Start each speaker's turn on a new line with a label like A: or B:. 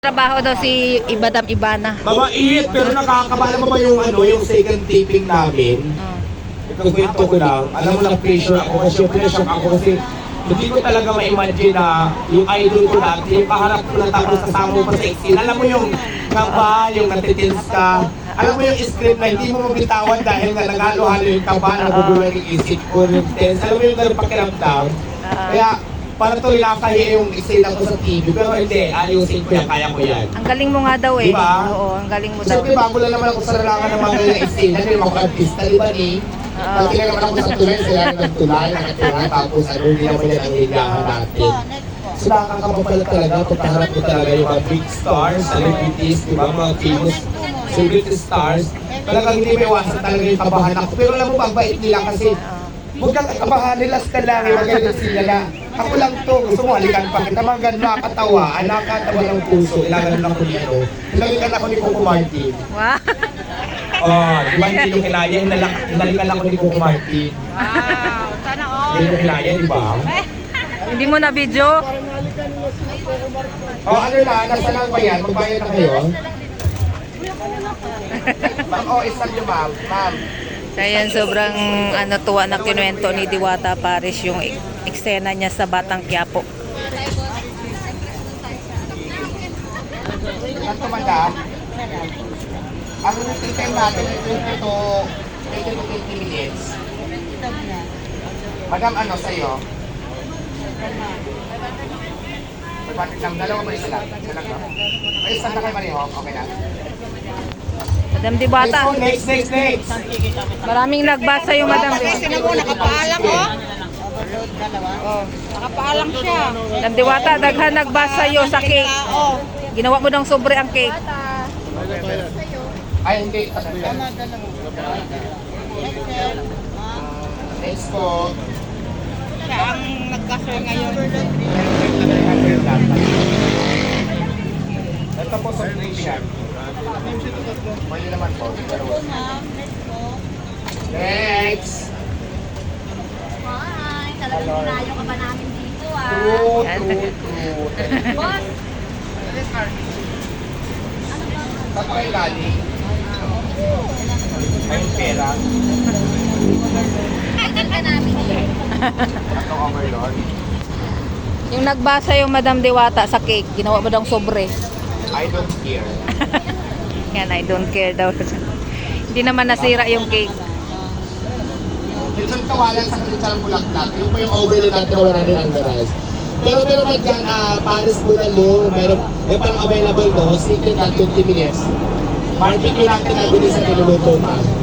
A: Trabaho daw si Madam Ivana.
B: Mabait, pero nakakabala mo ba yung yung second taping namin? Ito kwento ko lang. Alam mo lang pressure ako kasi pressure ako kasi hindi ko talaga ma-imagine na yung idol ko dati, yung kaharap ko na tapos kasama mo pa sa scene. Alam mo yung kaba, yung natitins ka. Alam mo yung script na hindi mo mabitawan dahil nga naghalo-halo yung kaba, nagugulo yung isip ko, yung tense. Alam mo yung ganun pakiramdam. Kaya para to nakakahiya yung isina ko sa TV, pero hindi, ayusin ko yan, kaya ko yan.
A: Ang galing mo nga daw eh.
B: Diba?
A: Oo, ang galing mo daw.
B: Siyempre, bago lang naman ako sa larangan ng mga ganyan isina, hindi naman ako artista, di ba ni? Pag naman ako sa tulay, sila ng tulay, nakatira, tapos hindi naman yan ang hilahan natin. So nakakapapala talaga, pagkaharap ko talaga yung mga big stars, celebrities, di ba, mga famous celebrity stars. Talagang hindi may iwasan talaga yung kabahan ako. Pero alam mo, mabait nila kasi huwag kang kabahan, nilas ka lang, magaling sila na. Ako lang to, gusto mo halikan pa kita, mga ganun nakakatawa, nakakatawa ng puso, ilangan lang ko nito. Hinalikan ako ni Coco Martin.
A: Wow.
B: Oh, di ba hindi yung kinaya, hinalikan ako ni Coco Martin.
A: Wow, sana all.
B: Hindi yung kinaya, di ba?
A: Hindi mo na video?
B: Oh, ano na, nasa lang ba yan? Magbayad na kayo? Ma'am, oh, isang nyo ma'am. Ma'am.
A: So ayan, sobrang tuwa na kinuwento ni Diwata Paris yung eksena niya sa Batang Quiapo.
B: Ito, madam. Ang routine time natin ay 20 to 20 minutes. Madam, ano sa'yo? Magpatik lang. Dalawa ba isa lang? Isa lang, no? Ay, isa na kayo pareho. Okay na.
A: Madam Diwata.
B: Next.
A: Maraming nagbasa yung Madam Diwata.
C: Nakapaalang oh. Oh, nakapaalang siya.
A: Madam Diwata, daghan nagbasa yo sa cake.
C: Oh.
A: Ginawa mo ng sobre ang cake.
B: Ay, hindi. Next po.
C: Siya ang nagkasal ngayon.
B: Ito po sa Christian. Pwede naman po. Next.
D: Hi, talagang pinayo ka ba namin dito
B: True.
D: Boss,
B: Saan pa kayo galing? May pera.
D: tagal ka namin dito.
B: Atong overlord.
A: Yung nagbasa yung Madam Diwata sa cake, ginawa mo daw sobre.
B: I don't care.
A: Yan, I don't care daw. Hindi naman nasira yung cake.
B: Minsan kawalan sa kristal bulaklak. Yung po yung overlord natin na wala rin ang garage. Pero meron man dyan, Paris Bulalo, meron parang available no, secret at 20 minutes. Barbecue natin na bilis sa niluluto pa.